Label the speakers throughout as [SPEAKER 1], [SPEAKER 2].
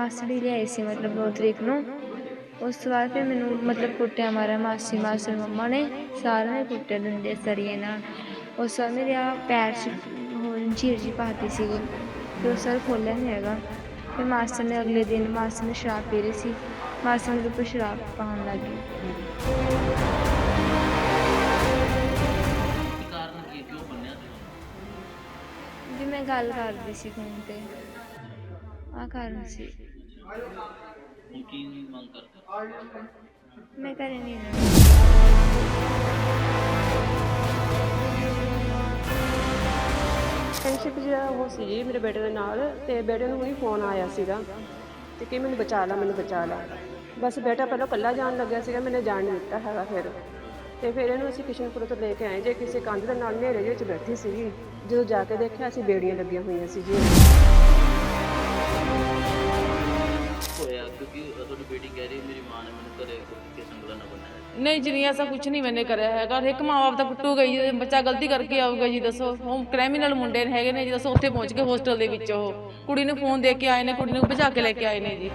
[SPEAKER 1] ਮਾਸੜ ਹੀ ਲਿਆਏ ਸੀ ਮਤਲਬ 2 ਤਰੀਕ ਨੂੰ। ਉਸ ਤੋਂ ਬਾਅਦ ਫਿਰ ਮੈਨੂੰ ਮਤਲਬ ਕੁੱਟਿਆ ਮਾਰਿਆ ਮਾਸੀ ਮਾਸੜ ਮੰਮਾ ਨੇ ਸਾਰਿਆਂ ਨੇ ਕੁੱਟਿਆ ਡੰਡੇ ਸਰੀਏ ਨਾਲ। ਉਸ ਤੋਂ ਬਾਅਦ ਮੇਰੇ ਪੈਰ 'ਚ ਹੋਰ ਝੀਰ ਜੀ ਪਾਤੀ ਸੀਗੀ। ਫਿਰ ਉਸ ਵਾਰ ਖੋਲ੍ਹਿਆ ਨਹੀਂ ਹੈਗਾ। ਫਿਰ ਮਾਸਟਰ ਨੇ ਅਗਲੇ ਦਿਨ ਮਾਸਟਰ ਨੇ ਸ਼ਰਾਬ ਪੀ ਰਹੀ ਸੀ, ਮਾਸਟਰ ਮੇਰੇ ਉੱਪਰ ਸ਼ਰਾਬ ਪਾਉਣ ਲੱਗ ਗਈ। ਵੀ ਮੈਂ ਗੱਲ ਕਰਦੀ ਸੀ ਫੋਨ ਤੇ, ਆਹ ਕਾਰਨ ਸੀ। ਮੈਂ ਘਰੇ ਨਹੀਂ ਰਹਿਣਾ।
[SPEAKER 2] ਫਰੈਂਡਸ਼ਿਪ ਜਿਹੜਾ ਉਹ ਸੀ ਜੀ ਮੇਰੇ ਬੇਟੇ ਦੇ ਨਾਲ, ਤੇ ਬੇਟੇ ਨੂੰ ਹੁਣੀ ਫੋਨ ਆਇਆ ਸੀਗਾ ਤੇ ਕਿ ਮੈਨੂੰ ਬਚਾ ਲਾ ਮੈਨੂੰ ਬਚਾ ਲਾ। ਬਸ ਬੇਟਾ ਪਹਿਲਾਂ ਇਕੱਲਾ ਜਾਣ ਲੱਗਿਆ ਸੀਗਾ, ਮੈंने ਜਾਣ ਨਹੀਂ ਦਿੱਤਾ ਹੈਗਾ। ਫਿਰ ਇਹਨੂੰ ਅਸੀਂ ਕਿਸ਼ਨਪੁਰ ਤੋਂ ਲੈ ਕੇ ਆਏ ਜੇ ਕਿਸੇ ਕੰਧ ਦੇ ਨਾਲ ਹਨੇਰੇ ਵਿੱਚ ਬੈਠੀ ਸੀਗੀ। ਜਦੋਂ ਜਾ ਕੇ ਦੇਖਿਆ ਅਸੀਂ ਬੇੜੀਆਂ ਲੱਗੀਆਂ ਹੋਈਆਂ ਸੀ ਜੀ।
[SPEAKER 3] ਹੋਇਆ ਕਿਉਂਕਿ ਤੁਹਾਡੀ ਬੇਟੀ ਕਹਿ ਰਹੀ ਮੇਰੀ ਮਾਂ ਨੇ ਮੈਨੂੰ ਘਰੇ ਕੇ ਸੰਗਲਾ ਨਾ ਬਣਾਇਆ।
[SPEAKER 4] नहीं जी नहीं, ऐसा कुछ नहीं मैंने कराया है। एक माँ बाप तो कुੱਟੂਗਾ ही, ਬੱਚਾ ਗਲਤੀ ਕਰਕੇ ਆਊਗਾ ਜੀ ਦੱਸੋ। ਉਹ ਕ੍ਰਿਮੀਨਲ ਮੁੰਡੇ ਹੈਗੇ ਨੇ ਜੀ ਦੱਸੋ, ਉੱਥੇ ਪਹੁੰਚ ਕੇ ਹੋਸਟਲ ਦੇ ਵਿੱਚ ਉਹ ਕੁੜੀ ਨੂੰ ਫੋਨ ਦੇ ਕੇ ਆਏ ਨੇ, ਕੁੜੀ ਨੂੰ ਭਜਾ ਕੇ ਲੈ ਕੇ ਆਏ ਨੇ ਜੀ।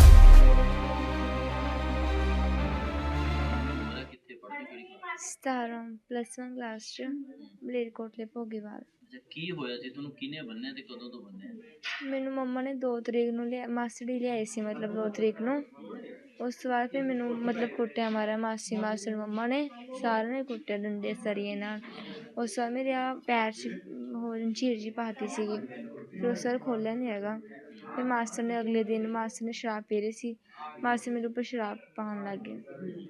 [SPEAKER 3] ਕਿੱਥੇ ਪੜ੍ਹਦੀ ਕਿਹੜੀ ਕਲਾਸ?
[SPEAKER 1] 17 +1 ਕਲਾਸ 'ਚ ਮਲੇਰਕੋਟਲੇ ਭੋਗੀਵਾਲ।
[SPEAKER 3] ਅੱਛਾ, ਕੀ ਹੋਇਆ ਸੀ ਤੁਹਾਨੂੰ? ਕਿਹਨੇ ਬੰਨਿਆ ਤੇ ਕਦੋਂ ਤੋਂ ਬੰਨਿਆ?
[SPEAKER 1] ਮੈਨੂੰ ਮੰਮਾ ਨੇ 2 ਤਰੀਕ ਨੂੰ ਮਾਸੜ ਹੀ ਲਿਆਏ ਸੀ ਮਤਲਬ 2 ਤਰੀਕ ਨੂੰ। ਉਸ ਤੋਂ ਬਾਅਦ ਫਿਰ ਮੈਨੂੰ ਮਤਲਬ ਕੁੱਟਿਆ ਮਾਰਿਆ ਮਾਸੀ ਮਾਸੜ ਮੰਮਾ ਨੇ ਸਾਰਿਆਂ ਨੇ ਕੁੱਟਿਆ ਡੰਡੇ ਸਰੀਏ ਨਾਲ। ਉਸ ਤੋਂ ਬਾਅਦ ਮੇਰੇ ਪੈਰ 'ਚ ਹੋਰ ਝੀਰ ਜੀ ਪਾਤੀ ਸੀਗੀ। ਫਿਰ ਉਸ ਵਾਰ ਖੋਲ੍ਹਿਆ ਨਹੀਂ ਹੈਗਾ। ਫਿਰ ਮਾਸਟਰ ਨੇ ਅਗਲੇ ਦਿਨ ਮਾਸਟਰ ਨੇ ਸ਼ਰਾਬ ਪੀ ਰਹੀ ਸੀ, ਮਾਸਟਰ ਮੇਰੇ ਉੱਪਰ ਸ਼ਰਾਬ ਪਾਉਣ ਲੱਗ ਗਏ।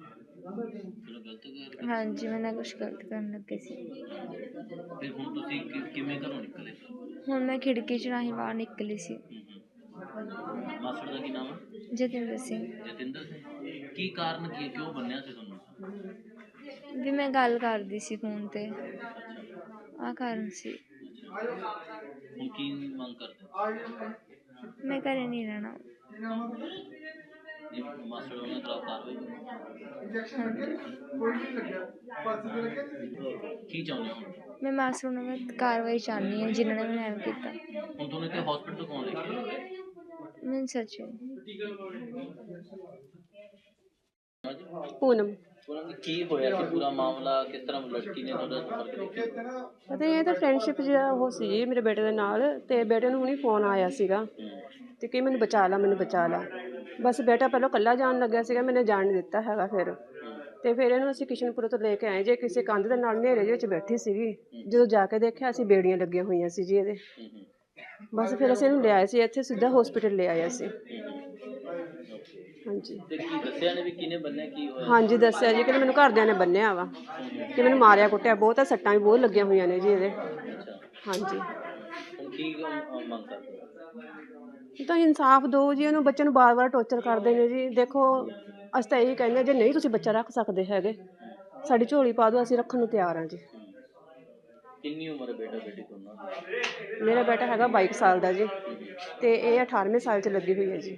[SPEAKER 1] ਹਾਂਜੀ, ਮੈਂ ਨਾ ਕੁਛ ਗਲਤ ਕਰਨ ਲੱਗੇ ਸੀ।
[SPEAKER 3] ਫਿਰ ਹੁਣ ਤੁਸੀਂ ਕਿਵੇਂ ਘਰੋਂ ਨਿਕਲੇ?
[SPEAKER 1] ਹੁਣ ਮੈਂ ਖਿੜਕੀ 'ਚ ਰਾਹੀਂ ਬਾਹਰ ਨਿਕਲੀ ਸੀ।
[SPEAKER 3] ਮਾਸੜ ਦਾ ਕੀ ਨਾਮ ਹੈ?
[SPEAKER 1] ਜਤਿੰਦਰ ਸਿੰਘ।
[SPEAKER 3] ਜਤਿੰਦਰ ਸਿੰਘ। ਕੀ ਕਾਰਨ ਕੀ, ਕਿਉਂ ਬੰਨਿਆ ਸੀ ਤੁਹਾਨੂੰ?
[SPEAKER 1] ਵੀ ਮੈਂ ਗੱਲ ਕਰਦੀ ਸੀ ਫੋਨ ਤੇ, ਆਹ ਕਾਰਨ ਸੀ।
[SPEAKER 3] ਹੁਣ ਕੀ ਮੰਗ ਕਰਦੇ?
[SPEAKER 1] ਮੈਂ ਘਰੇ ਨਹੀਂ ਰਹਿਣਾ।
[SPEAKER 3] ਮਾਸੜ ਉਹਨਾਂ ਖਿਲਾਫ ਕਾਰਵਾਈ ਕੀ ਚਾਹੁੰਦੇ ਹੋ?
[SPEAKER 1] ਮੈਂ ਮਾਸਟਰ ਨੂੰ ਮੈਂ ਕਾਰਵਾਈ ਚਾਹੁੰਦੀ ਹਾਂ ਜਿਨ੍ਹਾਂ ਨੇ ਮੈਨੂੰ ਐਵੇਂ ਕੀਤਾ।
[SPEAKER 3] ਹੁਣ ਤੁਹਾਨੂੰ ਇੱਥੇ ਹਸਪੀਟਲ ਕੌਣ ਲੈ ਕੇ ਆਇਆ?
[SPEAKER 1] ਮੈਨੂੰ ਸੱਚ
[SPEAKER 2] ਪੂਨਮ।
[SPEAKER 3] ਕੀ ਹੋਇਆ ਸੀ ਪੂਰਾ ਮਾਮਲਾ? ਕਿਸ ਤਰ੍ਹਾਂ ਲੜਕੀ ਨੇ ਤੁਹਾਡਾ ਸੰਪਰਕ ਕੀਤਾ?
[SPEAKER 2] ਪਤਾ ਇਹ ਤਾਂ ਫਰੈਂਡਸ਼ਿਪ ਜਿਹੜਾ ਉਹ ਸੀ ਜੀ ਮੇਰੇ ਬੇਟੇ ਦੇ ਨਾਲ, ਤੇ ਬੇਟੇ ਨੂੰ ਹੁਣੀ ਫੋਨ ਆਇਆ ਸੀਗਾ ਤੇ ਕਿ ਮੈਨੂੰ ਬਚਾ ਲਾ ਮੈਨੂੰ ਬਚਾ ਲਾ। ਬਸ ਬੇਟਾ ਪਹਿਲਾਂ ਇਕੱਲਾ ਜਾਣ ਲੱਗਿਆ ਸੀਗਾ, ਮੈंने ਜਾਣ ਨਹੀਂ ਦਿੱਤਾ ਹੈਗਾ। ਫਿਰ ਇਹਨੂੰ ਅਸੀਂ ਕਿਸ਼ਨਪੁਰ ਤੋਂ ਲੈ ਕੇ ਆਏ ਜੇ ਕਿਸੇ ਕੰਧ ਦੇ ਨਾਲ ਹਨੇਰੇ ਵਿੱਚ ਬੈਠੀ ਸੀਗੀ। ਜਦੋਂ ਜਾ ਕੇ ਦੇਖਿਆ ਅਸੀਂ ਬੇੜੀਆਂ ਲੱਗੀਆਂ ਹੋਈਆਂ ਸੀ ਜੀ ਇਹਦੇ। ਬਸ ਫਿਰ ਅਸੀਂ ਇਹਨੂੰ ਲਿਆਏ ਸੀ ਇੱਥੇ, ਸਿੱਧਾ ਹਸਪੀਟਲ ਲੈ ਆਏ ਅਸੀਂ। ਹਾਂਜੀ।
[SPEAKER 3] ਤੇ ਕੀ ਦੱਸਿਆ ਨੇ ਵੀ ਕਿਹਨੇ ਬੰਨਿਆ, ਕੀ ਹੋਇਆ?
[SPEAKER 2] ਹਾਂਜੀ ਦੱਸਿਆ ਜੀ ਕਿ ਮੈਨੂੰ ਘਰਦਿਆਂ ਨੇ ਬੰਨਿਆ ਵਾ, ਕਿ ਮੈਨੂੰ ਮਾਰਿਆ ਕੁੱਟਿਆ ਬਹੁਤ ਆ, ਸੱਟਾਂ ਵੀ ਬਹੁਤ ਲੱਗੀਆਂ ਹੋਈਆਂ ਨੇ ਜੀ ਇਹਦੇ। ਹਾਂਜੀ।
[SPEAKER 3] ਹੁਣ ਕੀ ਮੰਗ ਕਰਦੇ?
[SPEAKER 2] ਤਾਂ ਇਨਸਾਫ ਦਿਓ ਜੀ ਇਹਨੂੰ। ਬੱਚੇ ਨੂੰ ਵਾਰ-ਵਾਰ ਟੌਰਚਰ ਕਰਦੇ ਨੇ ਜੀ। ਦੇਖੋ ਅਸੀਂ ਤਾਂ ਇਹੀ ਕਹਿੰਦੇ, ਜੇ ਨਹੀਂ ਤੁਸੀਂ ਬੱਚਾ ਰੱਖ ਸਕਦੇ ਹੈਗੇ ਸਾਡੀ ਝੋਲੀ ਪਾ ਦਿਓ, ਅਸੀਂ ਰੱਖਣ ਨੂੰ ਤਿਆਰ ਹਾਂ ਜੀ।
[SPEAKER 3] ਕਿੰਨੀ ਉਮਰ ਹੈ ਬੇਟਾ ਬੇਟੀ ਦੋਨਾਂ ਦੀ?
[SPEAKER 2] ਮੇਰਾ ਬੇਟਾ ਹੈਗਾ 22 ਸਾਲ ਦਾ ਜੀ, ਤੇ ਇਹ 18ਵੇਂ ਸਾਲ 'ਚ ਲੱਗੀ ਹੋਈ ਹੈ ਜੀ।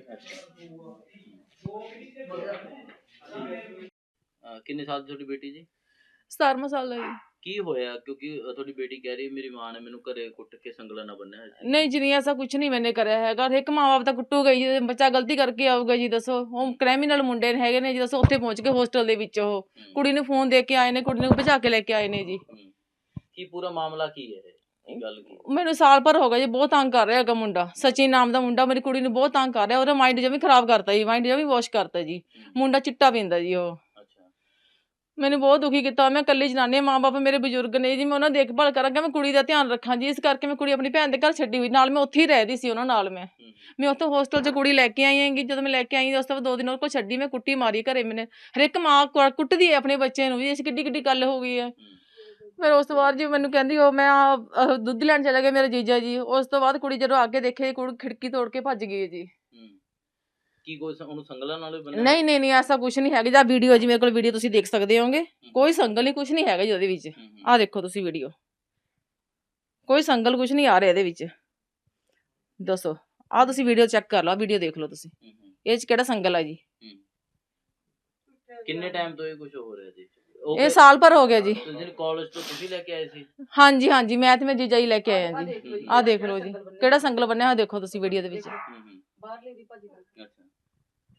[SPEAKER 3] ਕਿੰਨੇ ਸਾਲ ਦੀ ਤੁਹਾਡੀ ਬੇਟੀ ਜੀ?
[SPEAKER 4] 17ਵਾਂ ਸਾਲ ਦਾ ਜੀ।
[SPEAKER 3] ਕੀ ਹੋਇਆ ਕਿਉਂਕਿ ਤੁਹਾਡੀ ਬੇਟੀ ਕਹਿ ਰਹੀ ਮੇਰੀ ਮਾਂ ਨੇ ਮੈਨੂੰ ਘਰੇ ਕੁੱਟ ਕੇ ਸੰਗਲਾ ਨਾ ਬੰਨਿਆ ਹੈ।
[SPEAKER 4] नहीं जी नहीं, ऐसा कुछ नहीं मैंने कराया है। एक माँ बाप तो ਕੁੱਟੂਗਾ ਹੀ, ਬੱਚਾ ਗਲਤੀ ਕਰਕੇ ਆਊਗਾ ਜੀ ਦੱਸੋ। ਉਹ ਕ੍ਰਿਮੀਨਲ ਮੁੰਡੇ ਹੈਗੇ ਨੇ ਜੀ ਦੱਸੋ, ਉੱਥੇ ਪਹੁੰਚ ਕੇ ਹੋਸਟਲ ਦੇ ਵਿੱਚ ਉਹ ਕੁੜੀ ਨੂੰ ਫੋਨ ਦੇ ਕੇ ਆਏ ਨੇ, ਕੁੜੀ ਨੂੰ ਭਜਾ ਕੇ ਲੈ ਕੇ ਆਏ ਨੇ ਜੀ।
[SPEAKER 3] ਕੀ ਪੂਰਾ ਮਾਮਲਾ ਕੀ ਹੈ ਇਹ ਗੱਲ ਕੀ?
[SPEAKER 4] ਮੈਨੂੰ ਸਾਲ ਭਰ ਹੋ ਗਿਆ ਜੀ, ਬਹੁਤ ਤੰਗ ਕਰ ਰਿਹਾ ਹੈਗਾ ਮੁੰਡਾ। ਸਚਿਨ ਨਾਮ ਦਾ ਮੁੰਡਾ ਮੇਰੀ ਕੁੜੀ ਨੂੰ ਬਹੁਤ ਤੰਗ ਕਰ ਰਿਹਾ। ਉਹਦਾ ਮਾਈਂਡ ਜਮੀ ਖਰਾਬ ਕਰਤਾ ਜੀ, ਮਾਈਂਡ ਜਮੀ ਵਾਸ਼ ਕਰਤਾ ਜੀ। ਮੁੰਡਾ ਚਿੱਟਾ ਪੀਂਦਾ ਜੀ ਉਹ। ਮੈਨੂੰ ਬਹੁਤ ਦੁਖੀ ਕੀਤਾ। ਮੈਂ ਇਕੱਲੀ ਜਨਾਨੀ, ਮਾਂ ਬਾਪ ਮੇਰੇ ਬਜ਼ੁਰਗ ਨੇ ਜੀ, ਮੈਂ ਉਹਨਾਂ ਦੀ ਦੇਖਭਾਲ ਕਰਾਂਗਾ, ਮੈਂ ਕੁੜੀ ਦਾ ਧਿਆਨ ਰੱਖਾਂ ਜੀ। ਇਸ ਕਰਕੇ ਮੈਂ ਕੁੜੀ ਆਪਣੀ ਭੈਣ ਦੇ ਘਰ ਛੱਡੀ ਹੋਈ, ਨਾਲ ਮੈਂ ਉੱਥੇ ਹੀ ਰਹਿਦੀ ਸੀ ਉਹਨਾਂ ਨਾਲ। ਮੈਂ ਉੱਥੇ ਹੋਸਟਲ 'ਚ ਕੁੜੀ ਲੈ ਕੇ ਆਈ ਹੈਗੀ। ਜਦੋਂ ਮੈਂ ਲੈ ਕੇ ਆਈ ਉਸ ਤੋਂ ਬਾਅਦ 2 ਦਿਨ ਉਹ ਕੋਲ ਛੱਡੀ, ਮੈਂ ਕੁੱਟੀ ਮਾਰੀ ਘਰੇ। ਮੈਨੇ ਹਰ ਇੱਕ ਮਾਂ ਕੁੱਟਦੀ ਹੈ ਆਪਣੇ ਬੱਚੇ ਨੂੰ ਵੀ, ਇਸ ਕਿੱਡੀ ਗੱਲ ਹੋ ਗਈ ਹੈ। ਫਿਰ ਉਸ ਤੋਂ ਬਾਅਦ ਜੀ ਮੈਨੂੰ ਕਹਿੰਦੀ ਉਹ ਮੈਂ ਦੁੱਧ ਲੈਣ ਚਲਾ ਗਿਆ ਮੇਰਾ ਜੀਜਾ ਜੀ। ਉਸ ਤੋਂ ਬਾਅਦ ਕੁੜੀ ਜਦੋਂ ਅੱਗੇ ਦੇਖੇ, ਕੁੜੀ ਖਿੜਕੀ ਤੋੜ ਕੇ ਭੱਜ ਗਈ ਜੀ।
[SPEAKER 3] ਕੀ ਕੋਈ ਉਹਨੂੰ ਸੰਗਲਾਂ ਨਾਲ ਬੰਨਿਆ?
[SPEAKER 4] ਨਹੀਂ ਐਸਾ ਕੁਝ ਨਹੀਂ ਹੈਗਾ। ਜਾਂ ਵੀਡੀਓ ਜੀ ਮੇਰੇ ਕੋਲ ਵੀਡੀਓ ਤੁਸੀਂ ਦੇਖ ਸਕਦੇ ਹੋਗੇ, ਕੋਈ ਸੰਗਲ ਨਹੀਂ, ਕੁਝ ਨਹੀਂ ਹੈਗਾ ਜੀ ਉਹਦੇ ਵਿੱਚ। ਆਹ ਦੇਖੋ ਤੁਸੀਂ ਵੀਡੀਓ, ਕੋਈ ਸੰਗਲ ਕੁਝ ਨਹੀਂ ਆ ਰਿਹਾ ਇਹਦੇ ਵਿੱਚ। ਦੱਸੋ, ਆਹ ਤੁਸੀਂ ਵੀਡੀਓ ਚੈੱਕ ਕਰ ਲਓ, ਵੀਡੀਓ ਦੇਖ ਲਓ ਤੁਸੀਂ, ਇਹ 'ਚ ਕਿਹੜਾ ਸੰਗਲ ਆ ਜੀ।
[SPEAKER 3] ਕਿੰਨੇ ਟਾਈਮ ਤੋਂ ਇਹ ਕੁਝ ਹੋ ਰਿਹਾ ਜੀ?
[SPEAKER 4] ਇਹ ਸਾਲ ਭਰ ਹੋ ਗਿਆ ਜੀ।
[SPEAKER 3] ਕਾਲਜ ਤੋਂ ਤੁਸੀਂ ਲੈ ਕੇ ਆਏ ਸੀ?
[SPEAKER 4] ਹਾਂਜੀ, ਮੈਂ ਤੇ ਮੇਰਾ ਜੀਜਾ ਹੀ ਲੈ ਕੇ ਆਇਆ ਜੀ। ਆਹ ਦੇਖ ਲਓ ਜੀ, ਕਿਹੜਾ ਸੰਗਲ ਬੰਨਿਆ ਹੋਇਆ ਦੇਖੋ ਤੁਸੀਂ ਵੀਡੀਓ ਦੇ ਵਿੱਚ। ਬਾਹਰਲੇ ਦੀ ਭਾਜੀ ਦਾ
[SPEAKER 3] ਅੱਛਾ